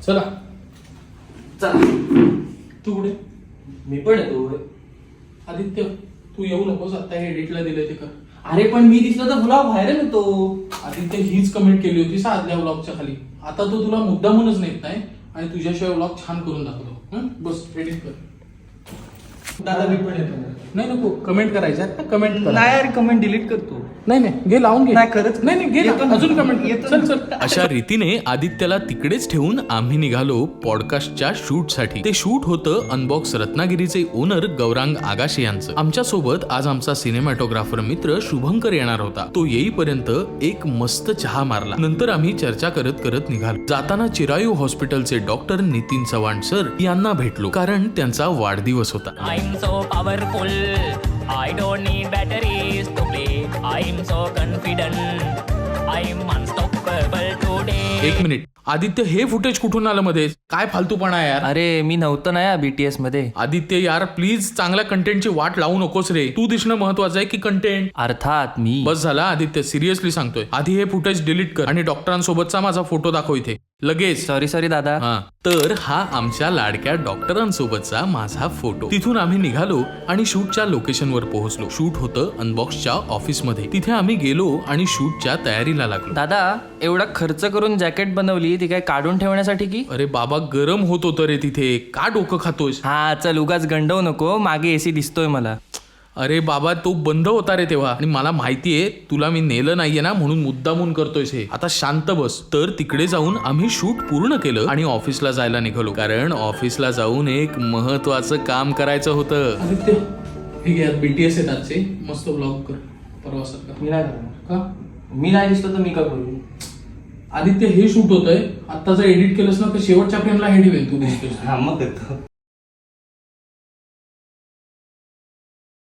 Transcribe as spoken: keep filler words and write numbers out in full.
चला चला. तू कुठे? मी पण येतो. आदित्य तू येऊ नकोस, आता हे एडिटला दिलंय ते कर. अरे पण मी दिसलो तर व्लॉग व्हायरल होतो. आदित्य हीच कमेंट केली होती साधल्या व्लॉगच्या खाली. आता तो तुला मुद्दामूनच नेत नाही आणि तुझ्याशिवाय व्लॉग छान करून दाखवतो. हं? बस एडिट कर. दादा मी पण येतो. नाही नको कमेंट करायच्या आहेत ना, कमेंट कर. नाही यार कमेंट डिलीट करतो. नाही नाही घे लावून घे. नाही खरंच नाही नाही घे येतो ना, ना. अजून कमेंट येतो चल ना. चल. अशा रीतीने आदित्यला तिकडेच ठेवून आम्ही निघालो पॉडकास्टच्या शूटसाठी. ते शूट होतं अनबॉक्स रत्नागिरीचे ओनर गौरांग आगाशे यांचं. आमच्या सोबत आज आमचा सिनेमॅटोग्राफर मित्र शुभंकर येणार होता. तो येईपर्यंत एक मस्त चहा मारला. नंतर आम्ही चर्चा करत करत निघालो. जाताना चिरायू हॉस्पिटलचे डॉक्टर नितीन चव्हाण सर यांना भेटलो, कारण त्यांचा वाढदिवस होता. I'm so powerful, I don't need batteries to play. I'm so confident, I'm unstoppable today. एक मिनिट, आदित्य हे फुटेज कुठून आलं मध्ये? काय फालतूपणा आहे यार. अरे मी नव्हतं ना या बीटीएस मध्ये. आदित्य यार प्लीज चांगल्या कंटेंटची वाट लावू नकोस रे. तू दिसणं महत्वाचं आहे की कंटेंट? अर्थात मी. बस झाला आदित्य, सिरियसली सांगतोय. आधी हे फुटेज डिलीट कर आणि डॉक्टरांसोबतचा माझा फोटो दाखव इथे लगेच. सॉरी सॉरी दादा. हा तर हा आमच्या लाडक्या डॉक्टरांसोबतचा माझा फोटो. तिथून आम्ही निघालो आणि शूटच्या लोकेशनवर पोहोचलो. शूट होतं अनबॉक्सच्या ऑफिस मध्ये. तिथे आम्ही गेलो आणि शूटच्या तयारीला लागलो. दादा एवढा खर्च करून जॅकेट बनवली ती काय काढून ठेवण्यासाठी की? अरे बाबा गरम होत होतं रे तिथे, का डोकं खातोयस? हा चल उगाच गंडवू नको, मागे एसी दिसतोय मला. अरे बाबा तो बंद होता रे तेव्हा, आणि मला माहितीये तुला मी नेलं नाहीये ना, म्हणून मुद्दामून करतोयस हे. आता शांत बस. तर तिकडे जाऊन आम्ही शूट पूर्ण केलं आणि ऑफिसला जायला निघालो, कारण ऑफिसला जाऊन एक महत्वाचं काम करायचं होतं. आदित्य हे घे, बीटीएस आहेत आजचे, मस्त ब्लॉग कर परवा सारखा. मी नाही करणार. का? मी नाही दिसलो तर मी का करू? आदित्य हे शूट होतंय, आता जर एडिट केलंस ना तर शेवटच्या फ्रेमला हेड येईल तू दिसतोस. हा मग करतो.